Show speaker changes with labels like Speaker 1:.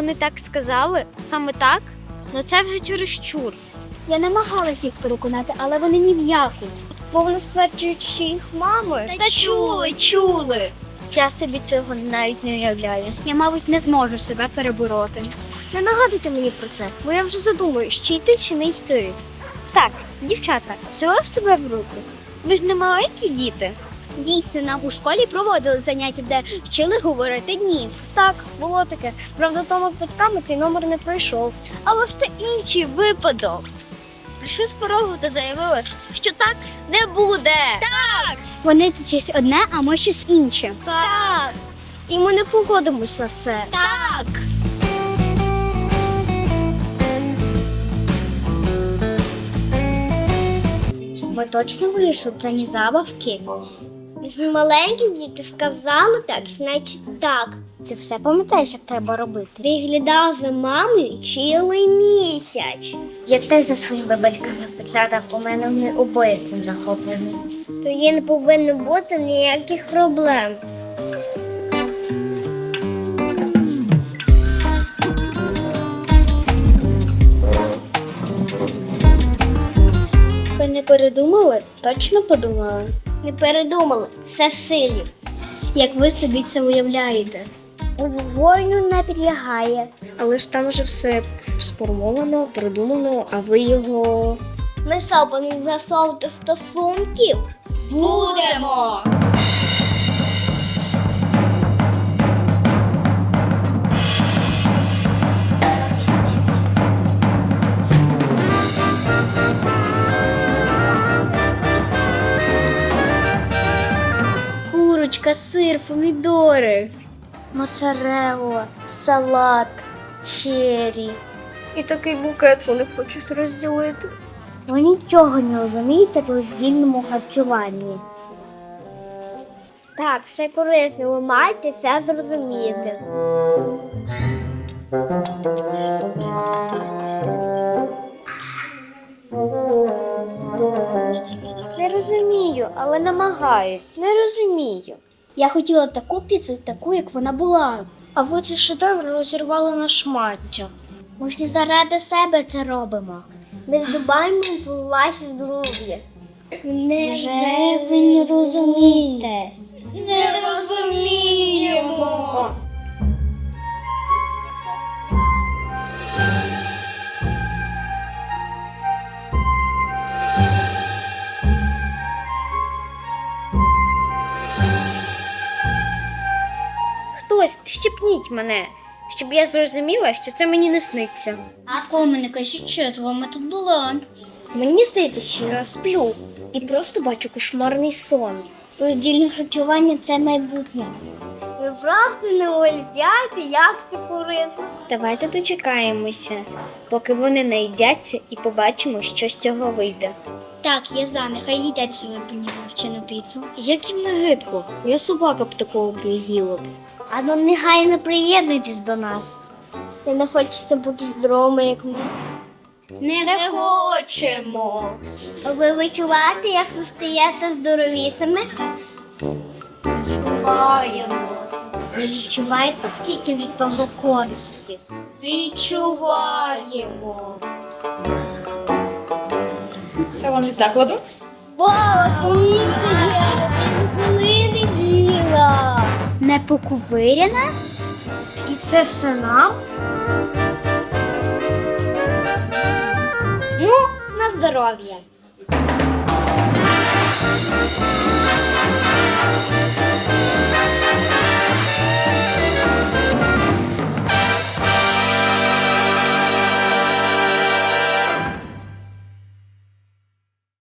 Speaker 1: вони так сказали, саме так, ну це вже чересчур.
Speaker 2: Я намагалась їх переконати, але вони ні в яку. Бо вони стверджують, що їх мами.
Speaker 1: Та чули.
Speaker 2: Я собі цього навіть не уявляю. Я, мабуть, не зможу себе перебороти. Не нагадуйте мені про це, бо я вже задумуюсь, чи йти, чи не йти. Так, дівчата, взяли в себе в руки.
Speaker 1: Ви ж не маленькі діти.
Speaker 2: Дійсно, нам у школі проводили заняття, де вчили говорити «ні». Так, було таке. Правда, Тома з батьками цей номер не пройшов.
Speaker 1: Але ж це інший випадок. Прийшли з порогу та заявили, що так не буде. Так!
Speaker 2: Вони щось одне, а ми щось інше.
Speaker 1: Так!
Speaker 2: І ми не погодимось на це.
Speaker 1: Так!
Speaker 2: Ми точно вийшли, це не забавки.
Speaker 3: Якщо маленькі діти сказали так, значить так.
Speaker 2: Ти все пам'ятаєш, як треба робити?
Speaker 3: Приглядав за мамою цілий місяць.
Speaker 2: Я теж за своїми батьками підглядав, у мене вони обоє цим захоплені.
Speaker 3: Тоді не повинно бути ніяких проблем.
Speaker 2: Ви не передумали? Точно подумали?
Speaker 3: Не передумали, все силі.
Speaker 2: Як ви собі це уявляєте?
Speaker 3: У вогоню не підлягає.
Speaker 2: Але ж там вже все сформовано, придумано, а ви його...
Speaker 3: Ми будемо засовувати стосунків.
Speaker 1: Будемо!
Speaker 2: Курочка, сир, помідори, моцарелла, салат, чері. І такий букет вони хочуть розділити. Ви нічого не розумієте в роздільному харчуванні.
Speaker 3: Так, це корисно, ви маєте все зрозуміти.
Speaker 2: Не розумію, але намагаюсь. Не розумію. Я хотіла таку піцу, таку, як вона була. А ви ці шедеври розірвали на шмаття. Ми ж не заради себе це робимо.
Speaker 3: Не здобаємо про ваші здоров'я.
Speaker 2: Вже ви не розумієте.
Speaker 1: Не розуміємо! Хтось щепніть мене, щоб я зрозуміла, що це мені не сниться.
Speaker 2: А мене кажіть, що я з вами тут була.
Speaker 3: Мені здається, що я сплю і просто бачу кошмарний сон.
Speaker 2: Роздільне харчування – це майбутнє.
Speaker 3: Ви просто не уявляєте, як це корисно.
Speaker 1: Давайте дочекаємося, поки вони наїдяться і побачимо, що з цього вийде.
Speaker 2: Так, я за, нехай їдять свою панівчину піцу.
Speaker 1: Як їм на гидко? Я собака б такого приїла б.
Speaker 2: А ну негайно приєднуйтесь до нас.
Speaker 3: Ви не хочете бути здоровими, як ми.
Speaker 1: Не хочемо.
Speaker 3: Ви відчуваєте, як ви стаєте здоровісами?
Speaker 2: Ви відчуваєте, скільки від того користі?
Speaker 1: Відчуваємо.
Speaker 4: Це вам від закладу?
Speaker 3: Хвилини діла.
Speaker 2: Не поковиряне? І це все нам?
Speaker 3: Ну, на здоров'я.